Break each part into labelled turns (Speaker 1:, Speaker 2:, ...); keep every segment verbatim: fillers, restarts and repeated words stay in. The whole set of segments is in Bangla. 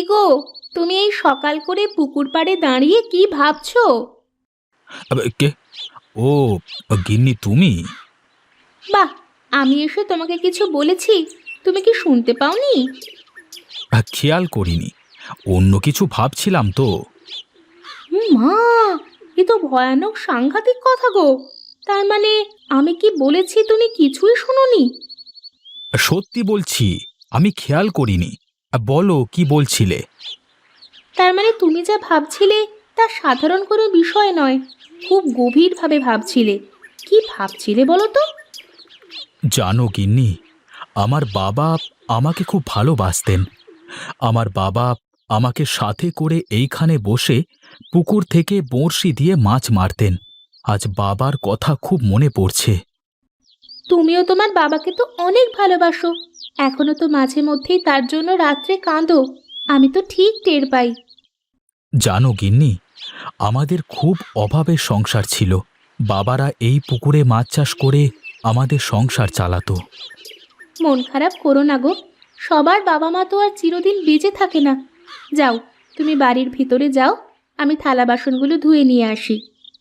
Speaker 1: গো, তুমি এই সকাল করে পুকুর পাড়ে দাঁড়িয়ে কি ভাবছো?
Speaker 2: আবে, কে? ও, গিন্নি তুমি?
Speaker 1: বাহ, আমি এসে তোমাকে কিছু বলেছি, তুমি কি শুনতে পাওনি?
Speaker 2: আহ, খেয়াল করিনি। অন্য কিছু ভাবছিলাম তো।
Speaker 1: হুম, মা, এ তো ভয়ানক সাংঘাতিক কথা গো। তার মানে আমি কি বলেছি তুমি কিছুই শোনোনি?
Speaker 2: সত্যি বলছি, আমি খেয়াল করিনি। আহ, বলো কি বলছিলে?
Speaker 1: তার মানে তুমি যা ভাবছিলে তা সাধারণ কোনো বিষয় নয়, খুব গভীরভাবে ভাবছিলে। কি ভাবছিলে বলো তো?
Speaker 2: জানো গিন্নি, আমার বাবা আমাকে খুব ভালোবাসতেন। আমার বাবা আমাকে সাথে করে এইখানে বসে পুকুর থেকে বড়শি দিয়ে মাছ মারতেন। আজ বাবার কথা খুব মনে পড়ছে।
Speaker 1: তুমিও তোমার বাবাকে তো অনেক ভালোবাসো, এখনো তো মাঝে মধ্যেই তার জন্য রাত্রে কাঁদো। আমি তো ঠিক টের পাই।
Speaker 2: জানো গিন্নি, আমাদের খুব অভাবের সংসার ছিল। বাবারা এই পুকুরে মাছ চাষ করে আমাদের সংসার চালাতো।
Speaker 1: মন খারাপ করো না গো, সবার বাবা মা তো আর চিরদিন বেঁচে থাকে না। যাও, তুমি বাড়ির ভিতরে যাও, আমি থালা বাসনগুলো ধুয়ে নিয়ে আসি।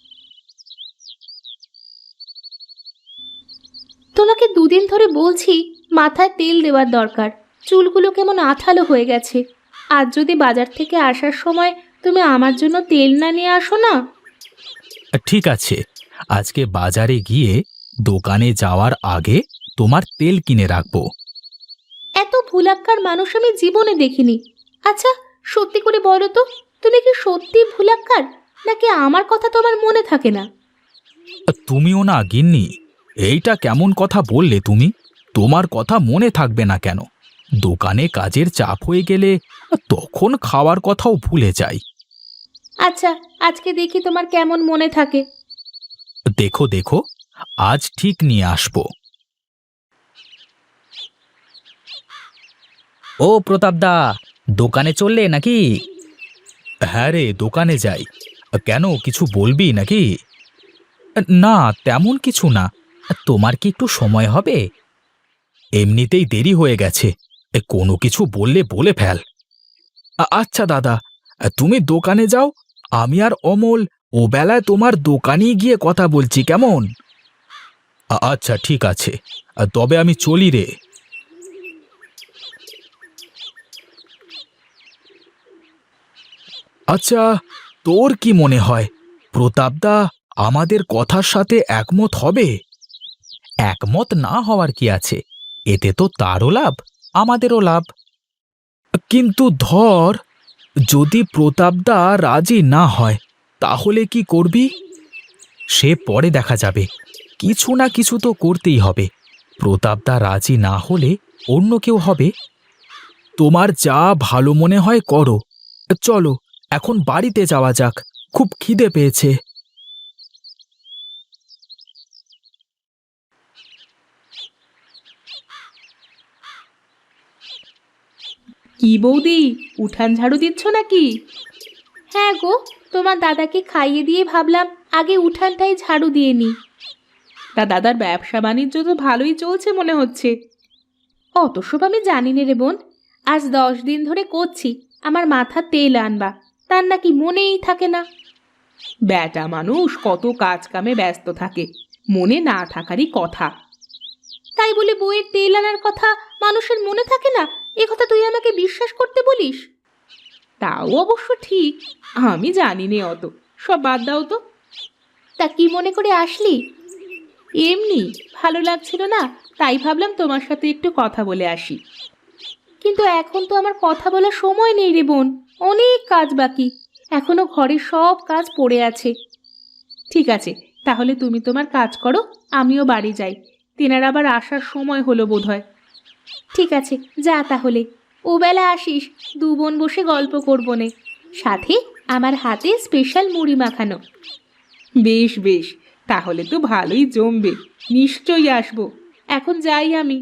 Speaker 1: তোমাকে দুদিন ধরে বলছি মাথায় তেল দেওয়ার দরকার, চুলগুলো কেমন আঠালো হয়ে গেছে। আজ যদি বাজার থেকে আসার সময় তুমি আমার জন্য তেল না নিয়ে আসো না।
Speaker 2: ঠিক আছে, আজকে বাজারে গিয়ে দোকানে যাওয়ার আগে তোমার তেল কিনে রাখবো।
Speaker 1: এত ভুলাক্কার মানুষ আমি জীবনে দেখিনি। আচ্ছা, সত্যি করে বলো তো, তুমি কি সত্যি ভুলাক্কার, নাকি আমার কথা তোমার মনে থাকে না?
Speaker 2: তুমিও না গিন্নি, এইটা কেমন কথা বললে তুমি? তোমার কথা মনে থাকবে না কেন? দোকানে কাজের চাপ হয়ে গেলে তখন খাওয়ার কথাও ভুলে যাই।
Speaker 1: আচ্ছা, আজকে দেখি তোমার কেমন মনে থাকে।
Speaker 2: দেখো দেখো, আজ ঠিক নিয়ে আসবো।
Speaker 3: ও প্রতাপদা, দোকানে চললে নাকি?
Speaker 2: হ্যাঁ রে, দোকানে যাই। কেন, কিছু বলবি নাকি? না, তেমন কিছু না।
Speaker 3: তোমার কি একটু সময় হবে?
Speaker 2: এমনিতেই দেরি হয়ে গেছে। এ, কোনো কিছু বললে বলে ফেল। আ- আচ্ছা দাদা, তুমি দোকানে যাও। আমি আর অমল ও বেলায় তোমার দোকানেই গিয়ে কথা বলছি, কেমন? আ- আচ্ছা ঠিক আছে, তবে আমি চলি রে। আচ্ছা, তোর কি মনে হয় প্রতাপদা আমাদের কথার সাথে একমত হবে?
Speaker 3: একমত না হওয়ার কি আছে? এতে তো তারও লাভ, আমাদেরও লাভ।
Speaker 2: কিন্তু ধর, যদি প্রতাপদা রাজি না হয়, তাহলে কি করবি?
Speaker 3: সে পরে দেখা যাবে,
Speaker 2: কিছু না কিছু তো করতেই হবে। প্রতাপদা রাজি না হলে অন্য কেউ হবে। তোমার যা ভালো মনে হয় করো। চলো, এখন বাড়িতে যাওয়া যাক, খুব খিদে পেয়েছে।
Speaker 1: কি বৌদি, উঠান ঝাড়ু দিচ্ছ নাকি? হ্যাঁ গো, তোমার দাদাকে খাইয়ে দিয়ে ভাবলাম আগে উঠানটাই ঝাড়ু দিয়ে নি। তা দাদার ব্যবসা বাণিজ্য তো ভালোই চলছে মনে হচ্ছে। অত সব আমি জানি নে রে বোন, আজ দশ দিন ধরে করছি আমার মাথা তেল আনবা, তার নাকি মনেই থাকে না। ব্যাটা মানুষ কত কাজ কামে ব্যস্ত থাকে, মনে না থাকারই কথা। তাই বলে বইয়ের তেল আনার কথা মানুষের মনে থাকে না, এ কথা তুই আমাকে বিশ্বাস করতে বলিস? তাও অবশ্য ঠিক, আমি জানি নে অত, সব বাদ দাও তো। তা কি মনে করে আসলি? এমনি ভালো লাগছিল না, তাই ভাবলাম তোমার সাথে একটু কথা বলে আসি। কিন্তু এখন তো আমার কথা বলার সময় নেই রে বোন, অনেক কাজ বাকি, এখনো ঘরের সব কাজ পড়ে আছে। ঠিক আছে, তাহলে তুমি তোমার কাজ করো, আমিও বাড়ি যাই। তেনার আবার আসার সময় হলো বোধহয়। ঠিক আছে, যা তাহলে। ও বেলা আসিস, দু বোন বসে গল্প করবো নে, সাথে আমার হাতে স্পেশাল মুড়ি মাখানো। বেশ বেশ, তাহলে তো ভালোই জমবে, নিশ্চয়ই আসবো। এখন যাই আমি।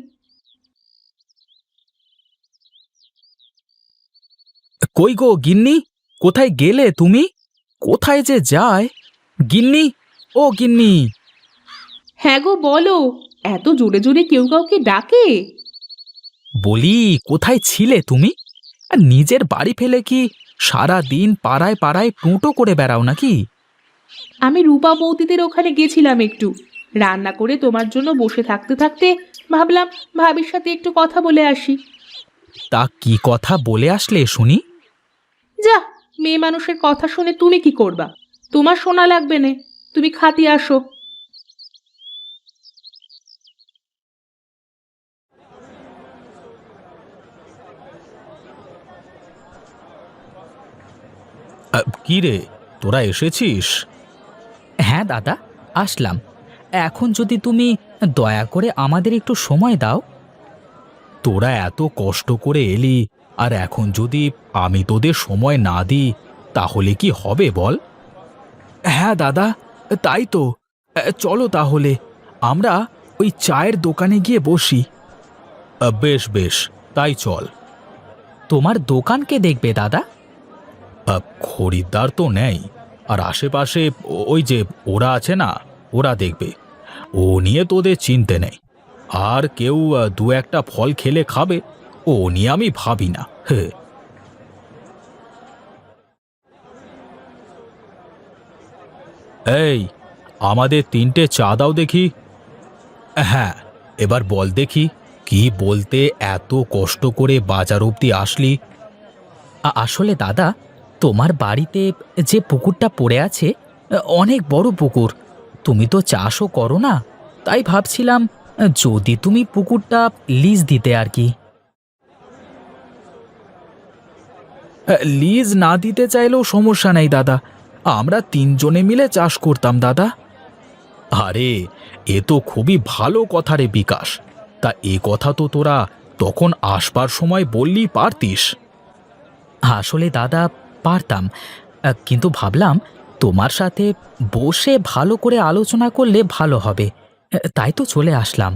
Speaker 2: কই গো গিন্নি, কোথায় গেলে তুমি? কোথায় যে যায়? গিন্নি, ও গিন্নি!
Speaker 1: হ্যাঁ গো, বলো। এত জোরে জোরে কেউ কাউকে ডাকে?
Speaker 2: বলি, কোথায় ছিলে তুমি?
Speaker 3: আর নিজের বাড়ি ফেলে কি সারা দিন পাড়ায় পাড়ায় টুঁটো করে বেড়াও নাকি?
Speaker 1: আমি রূপা বৌদিদের ওখানে গেছিলাম একটু, রান্না করে তোমার জন্য বসে থাকতে থাকতে ভাবলাম ভাবির সাথে একটু কথা বলে আসি।
Speaker 3: তা কি কথা বলে আসলে শুনি?
Speaker 1: যা, মেয়ে মানুষের কথা শুনে তুমি কি করবা? তোমার শোনা লাগবে না, তুমি খাতি আসো।
Speaker 2: কি রে, তোরা এসেছিস?
Speaker 3: হ্যাঁ দাদা, আসলাম। এখন যদি তুমি দয়া করে আমাদের একটু সময় দাও।
Speaker 2: তোরা এত কষ্ট করে এলি, আর এখন যদি আমি তোদের সময় না দিই তাহলে কি হবে বল? হ্যাঁ দাদা, তাই তো। চলো তাহলে আমরা ওই চায়ের দোকানে গিয়ে বসি। বেশ বেশ, তাই চল।
Speaker 3: তোমার দোকান কে দেখবে দাদা?
Speaker 2: আহ, খরিদ্দার তো নেই, আর আশেপাশে ও- ওই যে ওরা আছে না, ওরা দেখবে। ও নিয়ে তোদের চিনতে নেই। আর কেউ আহ, দু একটা ফল খেলে খাবে, ও নিয়ে আমি ভাবি না। হে, এই, আমাদের তিনটে চা দাও দেখি। হ্যাঁ, এবার বল দেখি, কি বলতে এত কষ্ট করে বাজার অবধি আসলি?
Speaker 3: আ- আসলে দাদা, তোমার বাড়িতে যে পুকুরটা পড়ে আছে, অনেক বড় পুকুর। তুমি তো চাষও করো না, তাই ভাবছিলাম যদি তুমি পুকুরটা লিজ দিতে আর কি।
Speaker 2: হ্যাঁ, লিজ না দিতে চাইলেও সমস্যা নেই দাদা, আমরা তিনজনে মিলে চাষ করতাম দাদা। আরে, এ তো খুবই ভালো কথা রে বিকাশ। তা এ কথা তো তোরা তখন আসবার সময় বললি পারতিস।
Speaker 3: আসলে দাদা, পারতাম, আ, কিন্তু ভাবলাম তোমার সাথে বসে ভালো করে আলোচনা করলে ভালো হবে, তাই তো চলে আসলাম।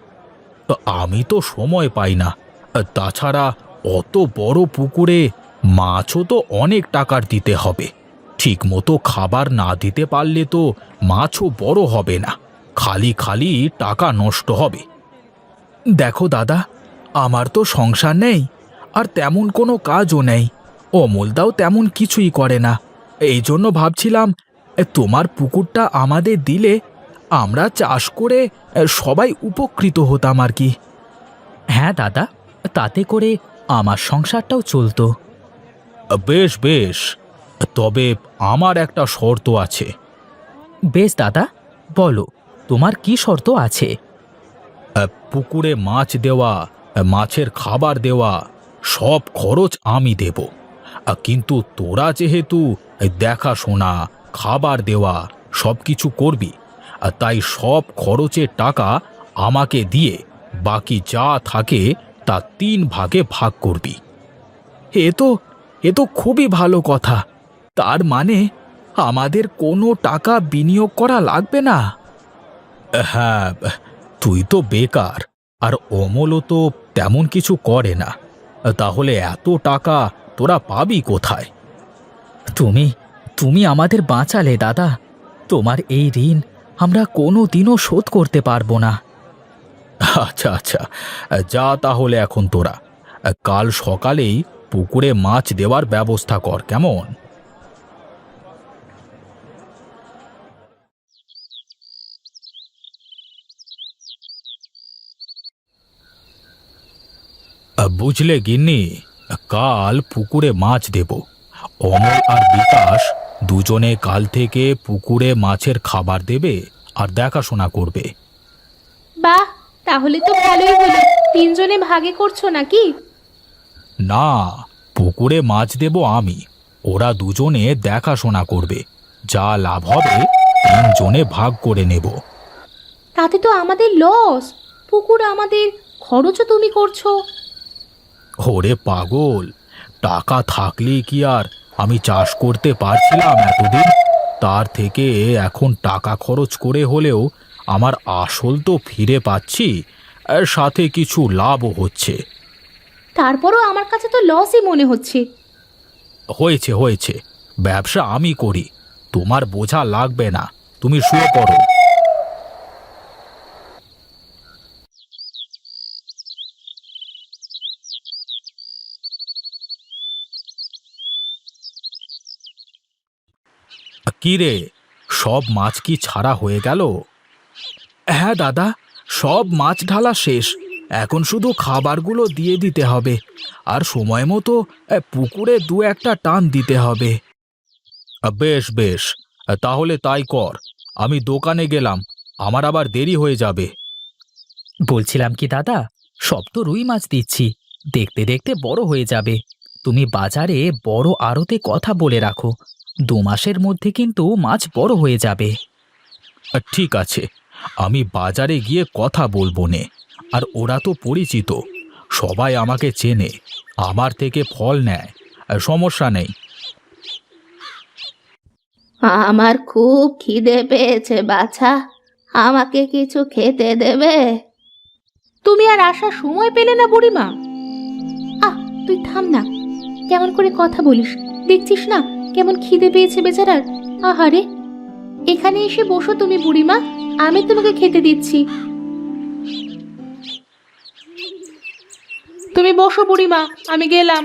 Speaker 2: আমি তো সময় পাই না। তাছাড়া অত বড় পুকুরে মাছও তো অনেক টাকার দিতে হবে। ঠিক মতো খাবার না দিতে পারলে তো মাছও বড় হবে না, খালি খালি টাকা নষ্ট হবে। দেখো দাদা, আমার তো সংসার নেই, আর তেমন কোনো কাজও নেই। অমলদাও তেমন কিছুই করে না। এই জন্য ভাবছিলাম এ, তোমার পুকুরটা আমাদের দিলে আমরা চাষ করে এ, সবাই উপকৃত হতাম আর কি।
Speaker 3: হ্যাঁ দাদা, তাতে করে আমার সংসারটাও চলতো।
Speaker 2: বেশ বেশ, তবে আমার একটা শর্ত আছে।
Speaker 3: বেশ দাদা, বলো, তোমার কি শর্ত আছে?
Speaker 2: আহ, পুকুরে মাছ দেওয়া, আহ, মাছের খাবার দেওয়া, সব খরচ আমি দেব। আহ, কিন্তু তোরা যেহেতু এই দেখাশোনা, খাবার দেওয়া সব কিছু করবি, আর তাই সব খরচের টাকা আমাকে দিয়ে বাকি যা থাকে তা তিন ভাগে ভাগ করবি। এ তো এ তো খুবই ভালো কথা। তার মানে আমাদের কোনো টাকা বিনিয়োগ করা লাগবে না। হ্যাঁ, তুই তো বেকার, আর অমলও তো তেমন কিছু করে না, তাহলে এত টাকা তোরা পাবি কোথায়?
Speaker 3: তুমি তুমি আমাদের বাঁচালে দাদা। তোমার এই ঋণ আমরা কোনো দিনও শোধ করতে পারবো না।
Speaker 2: আচ্ছা আচ্ছা, যা তাহলে এখন তোরা কাল সকালেই পুকুরে মাছ দেওয়ার ব্যবস্থা কর, কেমন? বুঝলে গিন্নি, কাল পুকুরে মাছ দেব। অমল আর বিকাশ দুজনে কাল থেকে পুকুরে মাছের খাবার দেবে আর দেখাশোনা করবে।
Speaker 1: বাহ, তাহলে তো ভালোই হলো। তিনজনে ভাগে করছো নাকি?
Speaker 2: না, পুকুরে মাছ দেব আমি, ওরা দুজনে দেখাশোনা করবে। যা লাভ হবে তিনজনে ভাগ করে নেব।
Speaker 1: তাতে তো আমাদের লস। পুকুর আমাদের, খরচও তুমি করছো।
Speaker 2: ওরে পাগল, টাকা থাকলেই কি আর আমি চাষ করতে পারছিলাম এতদিন? তার থেকে এখন টাকা খরচ করে হলেও আমার আসল তো ফিরে পাচ্ছি, আর সাথে কিছু লাভও হচ্ছে।
Speaker 1: তারপরও আমার কাছে তো লসই মনে হচ্ছে।
Speaker 2: হয়েছে হয়েছে, ব্যবসা আমি করি, তোমার বোঝা লাগবে না। তুমি শুয়ে পড়ো। কি রে, সব মাছ কি ছাড়া হয়ে গেল? হ্যাঁ দাদা, সব মাছ ঢালা শেষ। এখন শুধু খাবারগুলো দিয়ে দিতে হবে, আর সময় মতো এ, পুকুরে দু একটা টান দিতে হবে। বেশ বেশ, তাহলে তাই কর। আমি দোকানে গেলাম, আমার আবার দেরি হয়ে যাবে।
Speaker 3: বলছিলাম কি দাদা, সব তো রুই মাছ দিচ্ছি, দেখতে দেখতে বড় হয়ে যাবে। তুমি বাজারে বড় আড়তে কথা বলে রাখো, দু মাসের মধ্যে কিন্তু মাছ বড় হয়ে যাবে।
Speaker 2: ঠিক আছে, আমি বাজারে গিয়ে কথা বলবো নে। আর ওরা তো পরিচিত, সবাই আমাকে চেনে, আমার থেকে ফল নেয়, সমস্যা নেই।
Speaker 1: আমার খুব খিদে পেয়েছে বাছা, আমাকে কিছু খেতে দেবে? তুমি আর আসার সময় পেলে না বুড়িমা? আহ, তুই থাম না, কেমন করে কথা বলিস, দেখছিস না কেমন খিদে পেয়েছে বেচারার। আহারে, এখানে এসে বসো তুমি বুড়িমা, আমি তোমাকে খেতে দিচ্ছি। তুমি বসো বুড়িমা, আমি গেলাম।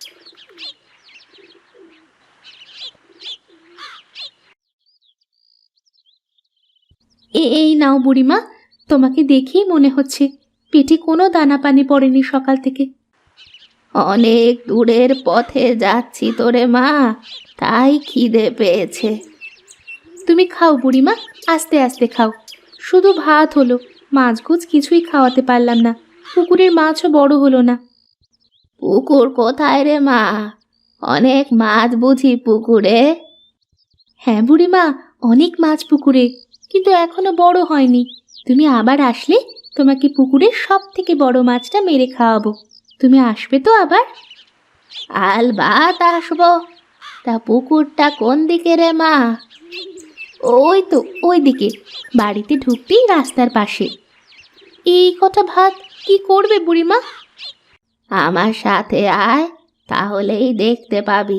Speaker 1: এই নাও বুড়িমা, তোমাকে দেখেই মনে হচ্ছে পেটে কোনো দানা পানি পড়েনি সকাল থেকে। অনেক দূরের পথে যাচ্ছি তোরে মা, তাই খিদে পেয়েছে। তুমি খাও বুড়িমা, আস্তে আস্তে খাও। শুধু ভাত হলো, মাছগুছ কিছুই খাওয়াতে পারলাম না, পুকুরের মাছও বড় হলো না। পুকুর কোথায় রে মা? অনেক মাছ বুঝি পুকুরে? হ্যাঁ বুড়িমা, অনেক মাছ পুকুরে, কিন্তু এখনো বড় হয়নি। তুমি আবার আসলে তোমাকে পুকুরের সব থেকে বড় মাছটা মেরে খাওয়াবো। তুমি আসবে তো আবার? আলবাত আসবো। তা পুকুরটা কোন দিকে রে মা? ওই তো ওই দিকে, বাড়িতে ঢুকতেই রাস্তার পাশে। এই কটা ভাত কি করবে বুড়িমা? আমার সাথে আয়, তাহলেই দেখতে পাবি।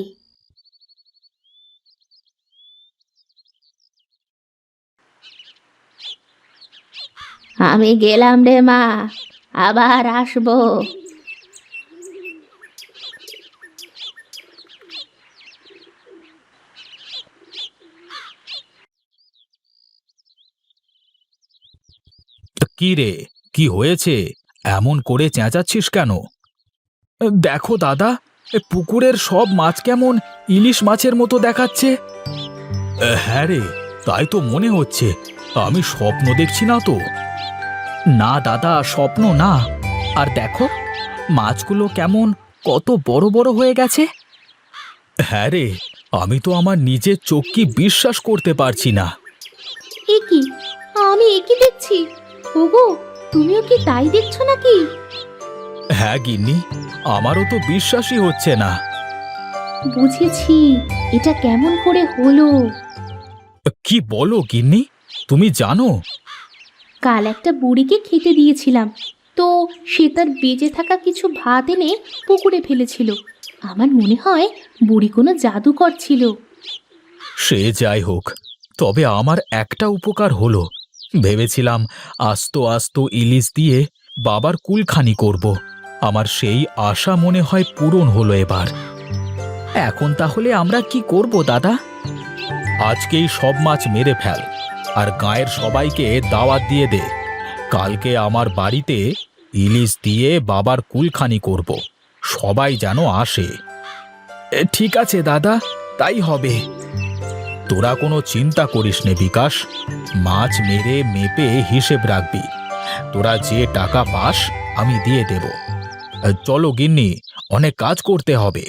Speaker 1: আমি গেলাম রে মা, আবার আসবো।
Speaker 2: কি রে, কি হয়েছে? এমন করে চেঁচাচ্ছিস কেন? দেখো দাদা, এ পুকুরের সব মাছ কেমন ইলিশ মাছের মতো দেখাচ্ছে। হ্যাঁ রে, তাই তো মনে হচ্ছে। আমি স্বপ্ন দেখছি না তো?
Speaker 3: না দাদা, স্বপ্ন না। আর দেখো, মাছগুলো কেমন কত বড় বড় হয়ে গেছে।
Speaker 2: হ্যাঁ রে, আমি তো আমার নিজের চোখকে বিশ্বাস করতে পারছি না।
Speaker 1: এ কি, আমি এ কি দেখছি? ওগো, তুমিও কি তাই দেখছো নাকি?
Speaker 2: হ্যাঁ গিন্নি, আমারও তো বিশ্বাসই হচ্ছে না।
Speaker 1: বুঝেছি, এটা কেমন করে হলো।
Speaker 2: কি বলো গিন্নি, তুমি জানো?
Speaker 1: কাল একটা বুড়িকে খেতে দিয়েছিলাম, তো সে তার বেঁচে থাকা কিছু ভাত এনে পুকুরে ফেলেছিল। আমার মনে হয় বুড়ি কোনো জাদুকর ছিল।
Speaker 2: সে যাই হোক, তবে আমার একটা উপকার হলো। ভেবেছিলাম আস্ত আস্ত ইলিশ দিয়ে বাবার কুলখানি করব। আমার সেই আশা মনে হয় পূরণ হলো এবার।
Speaker 3: এখন তাহলে আমরা কি করব দাদা?
Speaker 2: আজকেই সব মাছ মেরে ফেল, আর গাঁয়ের সবাইকে দাওয়াত দিয়ে দে। কালকে আমার বাড়িতে ইলিশ দিয়ে বাবার কুলখানি করব, সবাই যেন আসে। এ, ঠিক আছে দাদা, তাই হবে। তোরা কোনো চিন্তা করিস নে বিকাশ, মাছ মেরে মেপে হিসেব রাখবি। তোরা যে টাকা পাস আমি দিয়ে দেব। চলো গিন্নি, অনেক কাজ করতে হবে।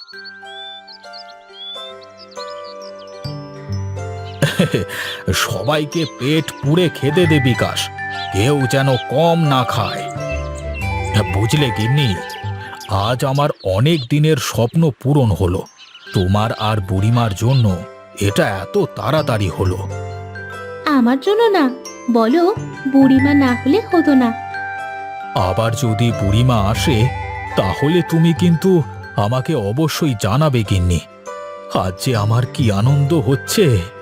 Speaker 2: সবাইকে পেট পুড়ে খেতে দে বিকাশ, কেউ যেন কম না খায়। বুঝলে গিন্নি, আজ আমার অনেক দিনের স্বপ্ন পূরণ হলো। তোমার আর বুড়িমার জন্য এটা এত তাড়াতাড়ি হলো।
Speaker 1: আমার জন্য না, বলো, বুড়িমা না হলে হতো না।
Speaker 2: আবার যদি বুড়িমা আসে, তাহলে তুমি কিন্তু আমাকে অবশ্যই জানাবে গিন্নি। আজ যে আমার কি আনন্দ হচ্ছে।